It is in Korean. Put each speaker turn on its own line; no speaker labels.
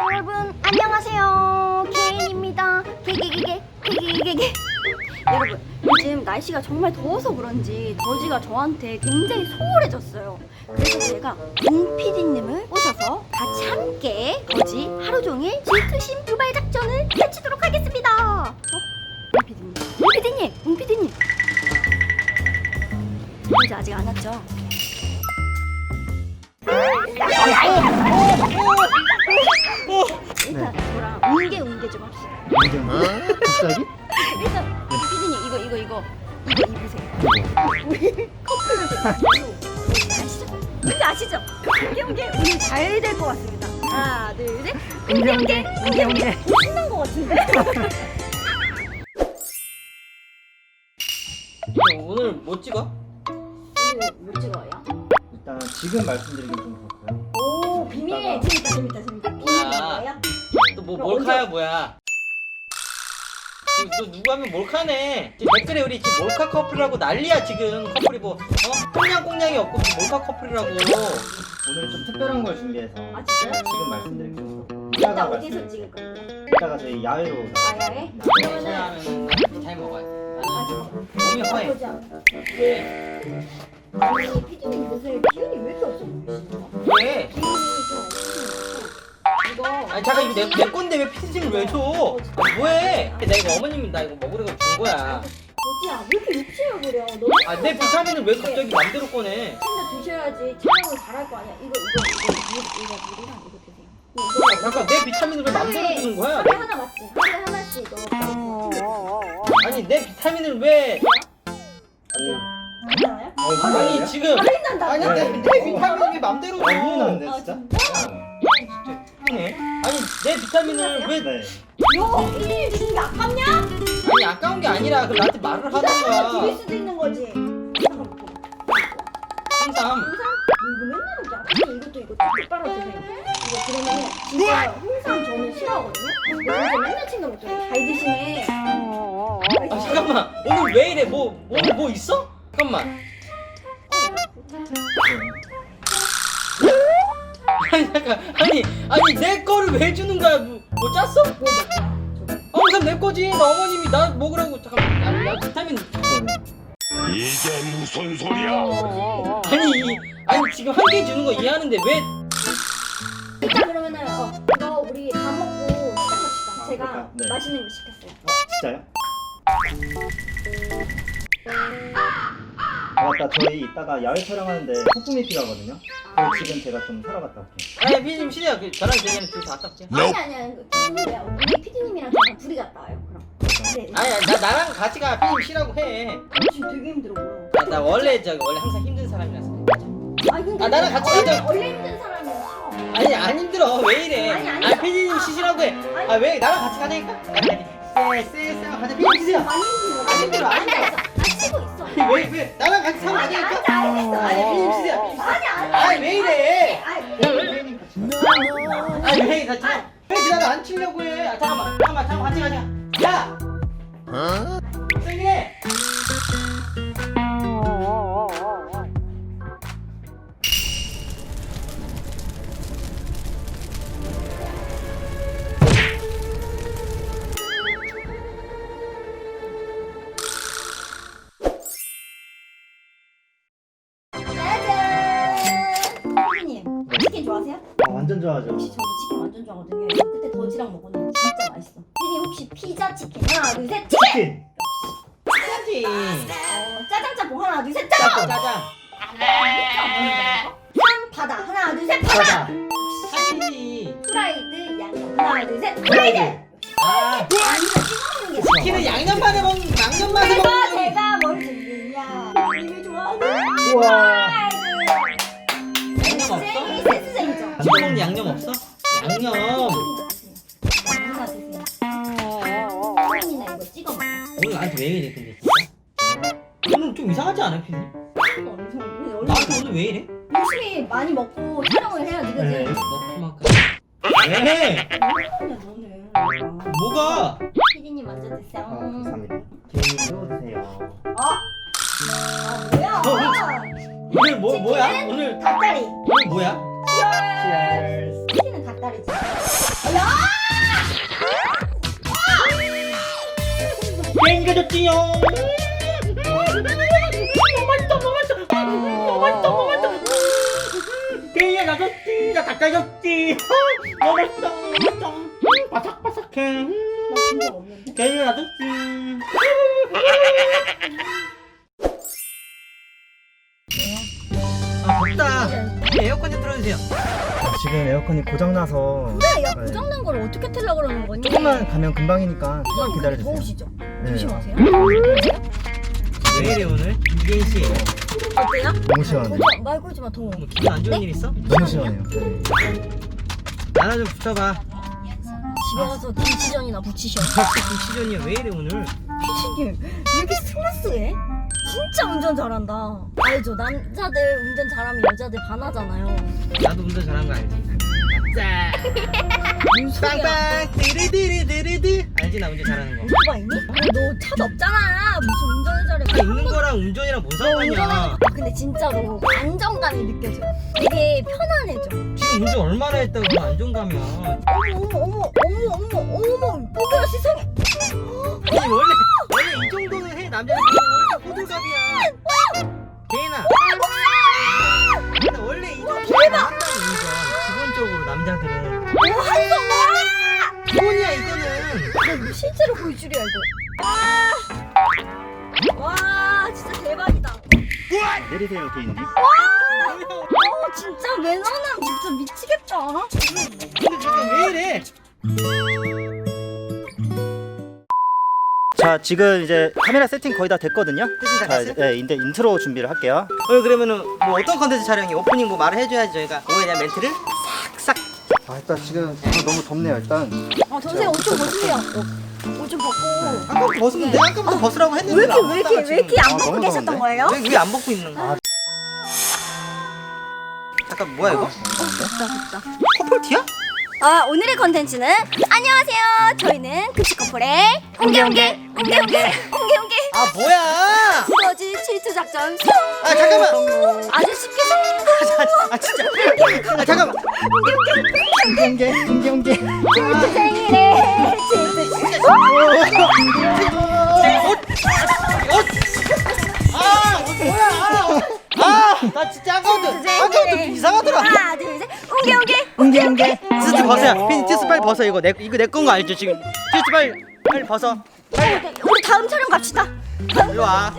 여러분 안녕하세요. 개인입니다. 개개개개개개개개. 여러분 요즘 날씨가 정말 더워서 그런지 더지가 저한테 굉장히 소홀해졌어요. 그래서 제가 웅PD님을 모셔서 같이 함께 더지 하루종일 질투심 두발 작전을 펼치도록 하겠습니다. 웅PD님, 웅PD님, 웅PD님. 더지 아직 안 왔죠? 일단 저랑 웅게 좀 합시다.
갑자기?
일단 피디님 이거 입으세요. 우리 커플을 아시죠? 뭔지 아시죠? 웅게 오늘 잘 될 것 같습니다. 하나 둘 셋. 웅게 신난 것 같은데?
오늘 뭐 찍어?
이거 못 찍어요?
일단 지금 말씀드리긴 좀 그렇고요.
오 비밀. 재밌다. 비밀이에요?
또 뭐 몰카야 뭐야? 지금 또 누구 하면 몰카네. 지금 댓글에 우리 지금 몰카 커플이라고 난리야 지금. 커플이 뭐 꽁냥꽁냥이 없고 무슨 몰카 커플이라고.
오늘은 좀 특별한 걸 준비해서
아 진짜요?
지금 말씀드리긴 좀 그렇고.
이따 어디서 찍을 건데?
이따가 저희 야외로
아야에? 그러면은
그러면은 잘 먹어야 돼. 몸이
아
허해.
보자.
왜?
아니 피디님 요새 기운이 왜 이렇게 없어 보이시죠?
왜?
기운이 좀 없으시고 이거
아니 잠깐 이거 내 건데 왜 피디님을 왜 줘? 아, 뭐해? 나 이거 어머님이 나 이거 먹으라고 준 거야.
어디야 왜 이렇게 욕심을 부려? 너무
아 내 비타민을 왜 갑자기 맘대로 꺼내?
챙겨 드셔야지 촬영을 잘할 거 아니야. 이거 물이랑 이거 드세요.
아, 잠깐 내 비타민을 왜 맘대로 주는 거야?
하루에 하나 맞지? 하루에 하나씩 넣어.
아니 내 비타민을 왜?
괜찮아요?
아니 지금
할인 난다.
아니 내 비타민을 왜 맘대로 줘?
큰일 나는데
아
진짜?
진짜?
네. 아니 내 비타민을 왜?
네.
요 일일 주는 게 아깝냐?
아니 아까운 게 아니라 그럼 나한테 말을
부담을 줄일
하던가.
수도 있는 거지.
항상
이거 맨날 먹지 않아? 이것도 똑바로 드세요. 이거 그러면 진짜 홍삼 저는 싫어하거든요? 이거 맨날 챙겨 먹잖아요. 잘 드시네.
아 잠깐만 오늘 왜 이래? 뭐 오늘 뭐 있어? 잠깐만. 아니 잠깐 아니 내 거를 왜 주는 거야? 뭐 짰어?
뭐 먹어요?
항상 내 거지. 나 어머님이 나 먹으라고 잠깐만. 나 비타민
이게 무슨 소리야?
아니 지금 한 개 주는 거 이해하는데 왜?
일단 그러면은 이거 우리 밥 먹고 시작합시다.
아,
제가
그럴까요? 네.
맛있는 거 시켰어요.
진짜요? 아 맞다 저희 이따가 야외 촬영하는데 소품이 필요하거든요. 그래서 지금 제가 좀 사러 갔다 올게요.
아니 피디님 싫어요. 저랑 제이는 둘다 갔다 올게요.
아니야. 그거야. 우리 PD님이랑 저랑 둘이 갔다 와요. 그럼. 네.
아니 나랑 같이 가. 피디님 쉬라고 해.
지금 되게 힘들어 보여.
나 원래 원래 항상 힘든 사람이라서.
아니 근데
아, 나랑 같이 가자.
원래 힘든 사람이야.
아니 안 힘들어. 왜 이래?
아니.
피디님 쉬시라고 해. 아 왜 나랑 같이 가자니까? 쎄 가자. 피디님 쉬세요.
많이 힘들어.
안 힘들어, 안 힘들어.
나 쉬고 있어.
왜 나랑 같이 사면 안 되니까?
알겠어.
아니 피디님 쉬세요.
아니.
아니 왜 이래?
선생님 같이
아니 왜 나를 안 치려고 해? 아 잠깐만 같이 가자. 야. 세게.
짜잔. 피디님 치킨 좋아하세요?
완전 좋아하죠.
혹시 저도 치킨 완전 좋아하거든요. 이거 그때 더지랑 먹었는데 진짜 맛있어. 피디님 혹시 피자 치킨 하나 둘 셋 치킨.
치킨!
해야지.
짜장 짬뽕 하나 둘 셋 짜장.
짜장.
3 바다 하나 둘 셋 바다.
사진이.
프라이드 양념 하나 둘 셋 프라이드.
아.
이거 찍어 먹는 게
치킨은 양념 맛에 먹는 양념 맛에
그래서
먹는.
제가 뭘 준비했냐? 피디님이 좋아하는
우와.
양념 없어?
센스쟁이죠.
찍어 먹는 양념 없어? 양념.
하나 드세요. 치킨이나 이거 찍어 먹어.
오늘 나한테 왜 이래 근데 진짜? 오늘 좀 이상하지 않아 피디?
이거 엄청 원래
나한테 오늘 왜 이래?
열심히 많이 먹고 촬영을 해야지
네.
그지?
너 그만큼. 왜?
그냥 너는
뭐가?
피디님 먼저 드세요.
감사합니다. 개인도 드세요.
뭐야?
오늘 뭐야? 오늘
닭다리.
오늘 뭐야?
치얼스. 피디는 닭다리지. 야
찢어졌지요. 너무 맛있어, 너무 맛있어. 너무 맛있어, 너무 맛있어. 게이야 나졌지, 나 닭갈겼지. 너무 맛있어, 너무 맛있어. 바삭바삭해.
나 본 적 없는데.
게이야 나졌지. 아 덥다. 에어컨 좀 틀어주세요.
지금 에어컨이 고장나서
야 고장난 걸 어떻게 틀려고 그러는 거니?
조금만 가면 금방이니까 조금만 기다려주세요.
더우시죠?
네.
조심하세요.
왜 이래 오늘? 이계인 씨.
어때요?
너무 시원해.
말 걸지 마 더워.
뭐 기분 안 좋은 일 있어?
너무 시원해요. 네.
나나 좀 붙여봐.
집에 가서 김치전이나 부치셔.
갑자기 김치전이야. 왜 이래 오늘?
피디님 왜 이렇게 스무스해? 진짜 운전 잘한다. 알죠? 남자들 운전 잘하면 여자들 반하잖아요.
나도 운전 잘하는 거 알지? 짜.
무슨 소리야?
빵빵 드르드르드르드. 알지 나 운전 잘하는 거.
오토바이니? 너 차도 없잖아. 무슨 운전을 잘해?
차 있는 거랑 운전이랑 뭔 상관이야?
근데 진짜로 안정감이 느껴져. 되게 편안해져.
지금 운전 얼마나 했다고 그 안정감이야.
어머, 보기가 세상에.
아니 원래 이 정도는 해. 남자는 원래 호들갑이야. 개인아. 원래 이 정도는 한다고 운전. 기본적으로 남자들은.
뭐 하는 거야?
기본이야 이거는.
나 이거 실제로 볼 줄이야 이거. 와, 진짜 대박이다.
내리세요, 개인님.
진짜 매너남 진짜 미치겠다.
근데 지금 왜 이래?
자, 지금 이제 카메라 세팅 거의 다 됐거든요.
세팅 다
자,
됐어요?
네, 이제 인트로 준비를 할게요.
오늘 그러면은 뭐 어떤 컨텐츠 촬영이 오프닝 뭐 말을 해줘야지 저희가 그거에 대한 멘트를 싹싹.
아, 일단 지금 너무 덥네요, 일단.
선생님 옷 좀 벗으세요. 옷 좀 벗고.
아까 벗으면 내가 아까부터 벗으라고 했는데
왜 이렇게 안
아,
벗고
너무
계셨던
더운데?
거예요?
왜 안 벗고 있는 거야? 잠깐 뭐야 이거?
됐다.
커플티야?
오늘의 컨텐츠는 안녕하세요. 저희는 급식커플의 옹개옹개
아 뭐야?
두더지 질투 작전 성.
아 잠깐만.
아주 쉽게 성공.
아 진짜. 아 잠깐만.
옹개.
질투 생일에 질투.
나 진짜 아까부터 이상하더라.
하나 둘 셋.
옹개.
티스 벗어요. 핀 티스 빨리 벗어 이거 내 건 거 알죠 지금? 티스 빨리 벗어.
우리 다음 촬영 갑시다.
일로 와.